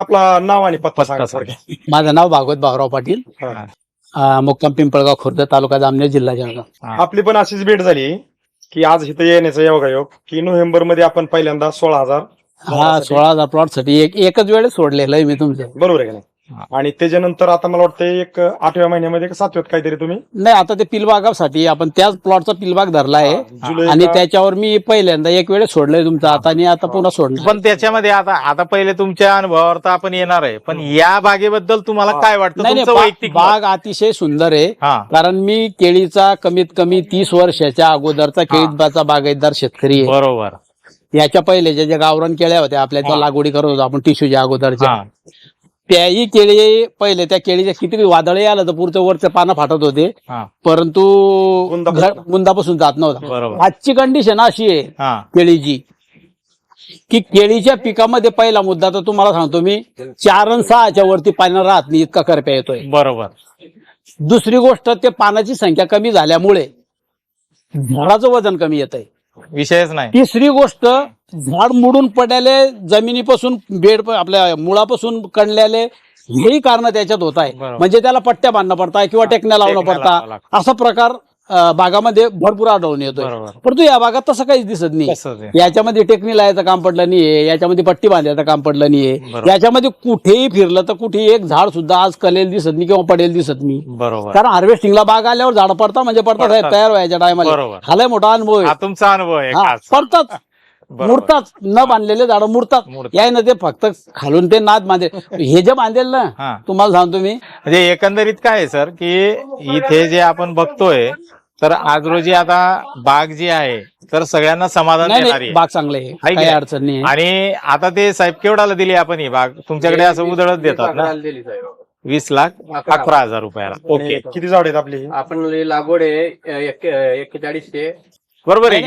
आपला नाव आणि पत्ता सांगा थोडक्यात. माझं नाव भागवत भाऊराव पाटील, मुक्काम पिंपळगाव खुर्द, तालुका जामनेर, जिल्हा जळगाव. आपली पण अशीच भेट झाली की आज इथं येण्याचा योगायोग की नोव्हेंबर मध्ये आपण पहिल्यांदा 16,000 हा 16,000 प्लॉट साठी एकच वेळेस सोडलेलं आहे मी तुमचं. बरोबर आहे का नाही. आणि त्याच्यानंतर आता मला वाटतं एक 8व्या महिन्यामध्ये 7व्यात काहीतरी तुम्ही नाही, आता ते पिलबागासाठी आपण त्याच प्लॉटचा पिलबाग धरला आहे जुलै आणि त्याच्यावर मी पहिल्यांदा एक वेळेस सोडलंय तुमचं आता, आणि आता पुन्हा सोडलं. पण त्याच्यामध्ये आता पहिले तुमच्या अनुभवावर तर आपण येणार आहे, पण या बागेबद्दल तुम्हाला काय वाटतं? नाही तुमचं नाही, वैयक्तिक बाग अतिशय सुंदर आहे. हा. कारण मी केळीचा कमीत कमी 30 वर्षाच्या अगोदरचा केळीचा बागायतदार शेतकरी आहे. बरोबर. याच्या पहिले ज्या गावरान केळ्या होत्या आपल्या त्या लागवडी करत होतो आपण टिश्यूच्या अगोदरच्या, हा. त्याही केळी पहिले त्या केळीच्या किती वादळही आलं तर पुढचं वरचे पानं फाटत होते, हा. परंतु मुंदापासून जात नव्हता. बरोबर. आजची कंडिशन अशी आहे हा. केळीची की केळीच्या पिकामध्ये पहिला मुद्दा तर तुम्हाला सांगतो मी, 4 आणि 6च्या वरती पानं राहत नाही, इतका करप्या येतोय. बरोबर. दुसरी गोष्ट, ते पानाची संख्या कमी झाल्यामुळे झाडाचं वजन कमी येत आहे. विषयच नाही. तिसरी गोष्ट, झाड मुडून पडलेले, जमिनीपासून बेड आपल्या मुळापासून कणलेले, हेही कारण त्याच्यात होत आहे. बरोबर. म्हणजे त्याला पट्ट्या बांधणं पडताय किंवा टेकण्या लावणं टेकण्या लावावं पडता, लागतं. असा प्रकार बागामध्ये भरपूर आढळून येतोय. बरोबर. परंतु या भागात तसं काहीच दिसत नाही. तसंच आहे. याच्यामध्ये टेकणी लावायचं काम पडलं नाहीये, याच्यामध्ये पट्टी बांधायचं काम पडलं नाहीये, बरोबर. याच्यामध्ये कुठेही फिरलं तर कुठेही एक झाड सुद्धा आज कलेल दिसत नाही किंवा पडेल दिसत नाही. बरोबर. कारण हार्वेस्टिंगला बाग आल्यावर झाड पडता म्हणजे पडतात साहेब, तयार व्हायच्या टायमाला. बरोबर. हा लय मोठा अनुभव आहे. हा तुमचा अनुभव आहे हा, खास. पडतात, बरोबर. मुरतात, न बांधलेले झाड मुरतात. याय ना ते फक्त खालून ते नाद बांधेल, हे जे बांधेल ना, हा. तुम्हाला सांगतो मी, म्हणजे एकंदरीत काय आहे सर, की इथे जे आपण बघतोय, तर आज रोजी आता बाग जी आहे तर सगळ्यांना समाधान नाही देणारी नाही, आहे. बाग चांगले आहे, आहे की काही नाही? अडचण नाही. आणि आता ते साहेब केवढ्याला दिली आपण ही बाग? तुमच्याकडे असं उधळत देतात ना, 20,11,000 रुपयाला. ओके, किती झाड आहेत आपली? आपण लागवड आहे 4100. बरोबर आहे.